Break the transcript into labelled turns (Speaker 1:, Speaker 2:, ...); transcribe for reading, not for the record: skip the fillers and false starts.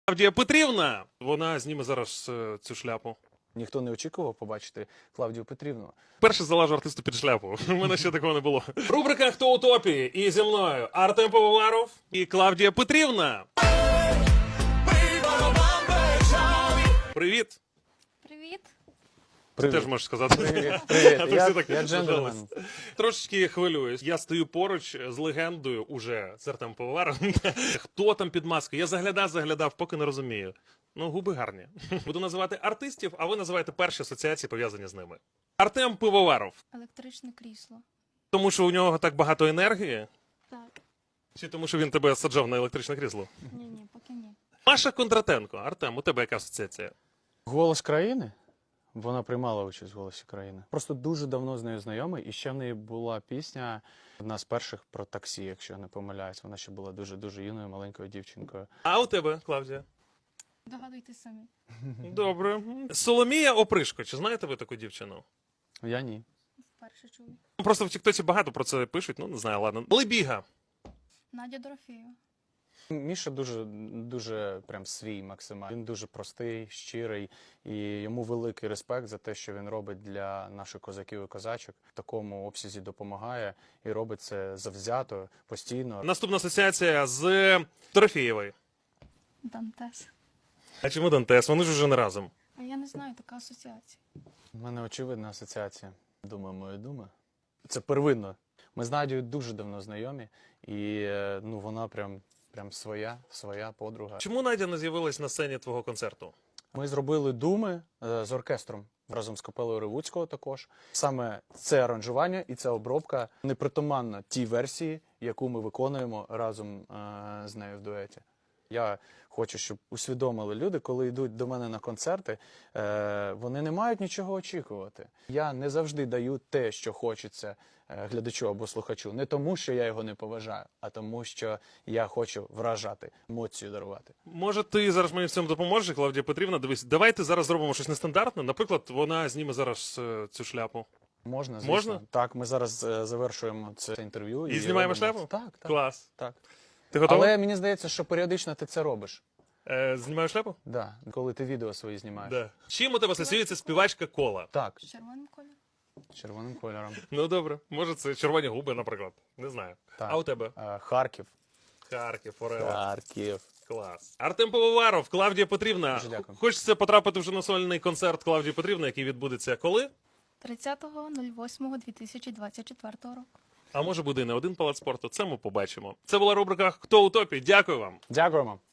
Speaker 1: Клавдія Петрівна, вона зніме зараз цю шляпу.
Speaker 2: Ніхто не очікував побачити Клавдію Петрівну.
Speaker 1: Перше залажу артисту під шляпу. У мене ще такого не було. Рубрика «Хто у топі?» І зі мною Артем Пивоваров і Клавдія Петрівна. Привіт.
Speaker 3: Привіт.
Speaker 1: Ти теж можеш сказати.
Speaker 2: Привіт.
Speaker 1: А то всі так
Speaker 2: Я джентльмен.
Speaker 1: Трошечки хвилююсь. Я стою поруч з легендою уже, з Артемом Пивоваровим. Хто там під маскою? Я заглядав, поки не розумію. Ну, губи гарні. Буду називати артистів, а ви називаєте перші асоціації, пов'язані з ними. Артем Пивоваров.
Speaker 3: Електричне крісло.
Speaker 1: Тому що у нього так багато енергії?
Speaker 3: Так.
Speaker 1: Чи тому що він тебе саджав на електричне крісло?
Speaker 3: Ні, поки ні.
Speaker 1: Маша Кондратенко. Артем, у тебе яка асоціація?
Speaker 2: Голос країни? Вона приймала участь в «Голосі країни». Просто дуже давно з нею знайомий, і ще в неї була пісня, одна з перших про таксі, якщо я не помиляюсь. Вона ще була дуже-дуже юною, маленькою дівчинкою.
Speaker 1: А у тебе, Клавдія?
Speaker 3: Догадуйтесь самі.
Speaker 1: Добре. Соломія Опришко. Чи знаєте ви таку дівчину?
Speaker 2: Я ні.
Speaker 3: Вперше чую.
Speaker 1: Просто в Тіктоці багато про це пишуть, ну не знаю, ладно. Лебіга.
Speaker 3: Надя Дорофєєва.
Speaker 2: Міша дуже прям свій максимально. Він дуже простий, щирий, і йому великий респект за те, що він робить для наших козаків і козачок. В такому обсязі допомагає і робить це завзято, постійно.
Speaker 1: Наступна асоціація з Дорофєєвою.
Speaker 3: Дантес.
Speaker 1: А чому Дантес? Вони ж уже не разом.
Speaker 3: А я не знаю, така асоціація.
Speaker 2: У мене очевидна асоціація. Дума моя дума. Це первинно. Ми з Надією дуже давно знайомі, і ну, вона прям своя подруга.
Speaker 1: Чому Надя не з'явилась на сцені твого концерту?
Speaker 2: Ми зробили думи з оркестром разом з капелою Ревуцького також. Саме це аранжування і ця обробка непритаманна тій версії, яку ми виконуємо разом з нею в дуеті. Я хочу, щоб усвідомили люди, коли йдуть до мене на концерти, вони не мають нічого очікувати. Я не завжди даю те, що хочеться глядачу або слухачу. Не тому, що я його не поважаю, а тому, що я хочу вражати, емоцію дарувати.
Speaker 1: Може, ти зараз мені в цьому допоможеш, Клавдія Петрівна? Дивись, давайте зараз зробимо щось нестандартне. Наприклад, вона зніме зараз цю шляпу.
Speaker 2: Можна, звісно.
Speaker 1: Можна?
Speaker 2: Так, ми зараз завершуємо це інтерв'ю.
Speaker 1: І знімаємо
Speaker 2: робимо.
Speaker 1: шляпу?
Speaker 2: Так.
Speaker 1: Клас.
Speaker 2: Так.
Speaker 1: Ти готова?
Speaker 2: Але мені здається, що періодично ти це робиш.
Speaker 1: Знімаю шляпу?
Speaker 2: Да, коли ти відео свої знімаєш.
Speaker 1: Да. Чим у тебе асоціюється співачка Кола?
Speaker 2: Так,
Speaker 3: З червоним кольором.
Speaker 2: червоним кольором.
Speaker 1: Ну добре, може це червоні губи, наприклад. Не знаю.
Speaker 2: Так.
Speaker 1: А у тебе?
Speaker 2: Харків.
Speaker 1: Харків, Форева.
Speaker 2: Харків.
Speaker 1: Клас. Артем Пивоваров, Клавдія Петрівна.
Speaker 2: Дуже дякую.
Speaker 1: Хочеться потрапити вже на сольний концерт Клавдії Петрівни, який відбудеться коли?
Speaker 3: 30.08.2024 року.
Speaker 1: А може буде і не один палац спорту, це ми побачимо. Це була рубрика «Хто у топі?». Дякую вам.
Speaker 2: Дякуємо.